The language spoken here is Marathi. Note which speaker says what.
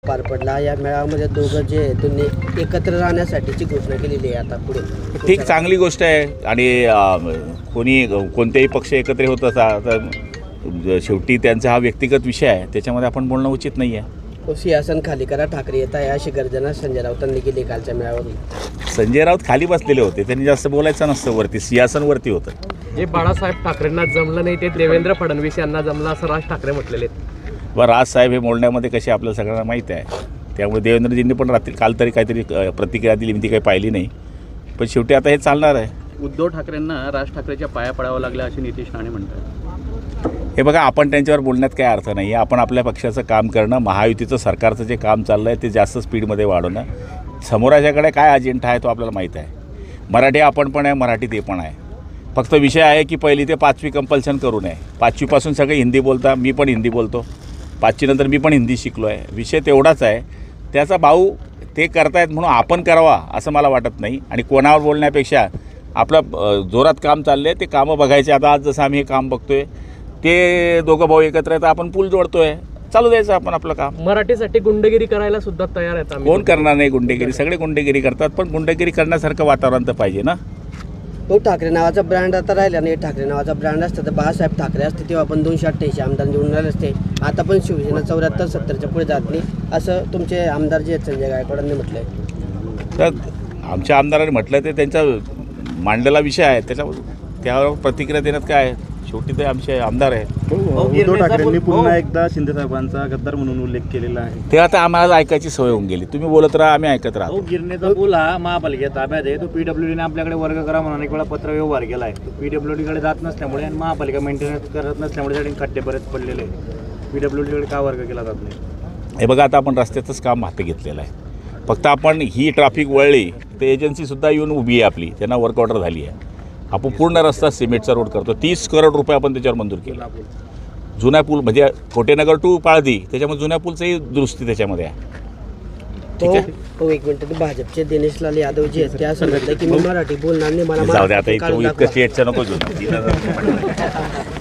Speaker 1: पार पडला. या मेळाव्यामध्ये दोघं जे आहेत त्यांनी एकत्र राहण्यासाठीची घोषणा केलेली आहे. आता पुढे
Speaker 2: ठीक, चांगली गोष्ट आहे. आणि कोणत्याही पक्ष एकत्र होत असा तर शेवटी त्यांचा हा व्यक्तिगत विषय आहे, त्याच्यामध्ये आपण बोलणं उचित नाही आहे.
Speaker 1: सिंहासन खाली करा, ठाकरे येत आहे अशी गर्जना संजय राऊतांनी केली कालच्या मेळाव्यात.
Speaker 2: संजय राऊत खाली बसलेले होते, त्यांनी जास्त बोलायचं नसतं, वरती सिंहासनवरती होतं.
Speaker 3: जे बाळासाहेब ठाकरेंना जमलं नाही ते देवेंद्र फडणवीस यांना जमलं असं राज ठाकरे म्हटलेले आहेत.
Speaker 2: व राजसाहेब हे बोलण्यामध्ये कसे आपल्याला सगळ्यांना माहीत आहे, त्यामुळे देवेंद्रजींनी पण रात्री काल तरी काहीतरी प्रतिक्रिया दिली, मी ती काही पाहिली नाही. पण शेवटी आता हे चालणार आहे.
Speaker 4: उद्धव ठाकरेंना राज ठाकरेच्या पाया पडावं लागलं असे नितीश राणे म्हणतात.
Speaker 2: हे बघा, आपण त्यांच्यावर बोलण्यात काही अर्थ नाही आहे. आपण आपल्या पक्षाचं काम करणं, महायुतीचं सरकारचं जे काम चाललं आहे ते जास्त स्पीडमध्ये वाढवणं. समोराच्याकडे काय अजेंडा आहे तो आपल्याला माहीत आहे. मराठी आपण पण आहे, मराठी ते पण आहे. फक्त विषय आहे की पहिली ते 5वी कंपल्शन करू नये. 5वीपासून सगळे हिंदी बोलता, मी पण हिंदी बोलतो. 5वीनंतर मी पण हिंदी शिकलो आहे. विषय तेवढाच आहे. त्याचा भाऊ ते करतायत म्हणून आपण करावा असं मला वाटत नाही. आणि कोणावर बोलण्यापेक्षा आपलं जोरात काम चाललं आहे ते कामं बघायचे. आता आज जसं आम्ही हे काम बघतो आहे, ते दोघं भाऊ एकत्र आहेत, आपण पूल जोडतो आहे, चालू द्यायचं आपण आपलं काम.
Speaker 3: मराठीसाठी गुंडगिरी करायला सुद्धा तयार आहेत आम्ही.
Speaker 2: कोण करणार नाही गुंडेगिरी? सगळे गुंडेगिरी करतात, पण गुंडेगिरी करण्यासारखं वातावरण तर पाहिजे ना.
Speaker 1: तो ठाकरे नावाचा ब्रँड आता राहिला नाही. ठाकरे नावाचा ब्रँड असतं तर बाळासाहेब ठाकरे असते तेव्हा आपण 288 आमदार निवडून राहिले असते. आता पण शिवसेना 74-70च्या पुढे जात नाही असं तुमचे आमदार जे आहेत संजय गायकवाडांनी म्हटलं आहे.
Speaker 2: तर आमच्या आमदारांनी म्हटलं ते त्यांचा मांडलेला विषय आहे, त्यावर प्रतिक्रिया देण्यात काय आहे? शेवटी ते आमचे आमदार आहेत.
Speaker 5: उद्धव ठाकरेंनी पुन्हा एकदा शिंदे साहेबांचा गद्दार म्हणून उल्लेख केलेला आहे.
Speaker 2: ते आता आम्हाला ऐकायची सवय होऊन गेली. तुम्ही बोलत राहा, आम्ही ऐकत राहतो.
Speaker 5: गिरणेचा पूल हा महापालिकेत ताब्यात आहे. तो PWDने आपल्याकडे वर्ग करा म्हणून अनेक वेळा पत्र व्यवहार केला आहे. तो PWDकडे जात नसल्यामुळे आणि महापालिका मेंटेनन्स करत नसल्यामुळे त्याने खड्डे बरेच पडलेले आहेत. PWDकडे का वर्ग केला जात नाही?
Speaker 2: हे बघा, आता आपण रस्त्याचंच काम हाती घेतलेलं आहे. फक्त आपण ही ट्रॅफिक वळली तर एजन्सीसुद्धा येऊन उभी आहे आपली, त्यांना वर्क ऑर्डर झाली आहे. आपण पूर्ण रस्ता सिमेंटचा रोड करतो. 30 करोड रुपये आपण त्याच्यावर मंजूर केला. जुना पूल म्हणजे कोटेनगर टू पाळदी, त्याच्यामध्ये जुन्या पूलचंही दुरुस्ती त्याच्यामध्ये आहे. ठीक आहे.
Speaker 1: तो एक मिनिट, भाजपचे दिनेश लाल यादव जे आहेत ते असं म्हटलं की मी मराठी बोलणार नाही, मला
Speaker 2: जाऊ दे आता,
Speaker 1: मराठी काढून
Speaker 2: इतकं
Speaker 1: दाखवा.
Speaker 2: स्टेटचं नको घेऊ.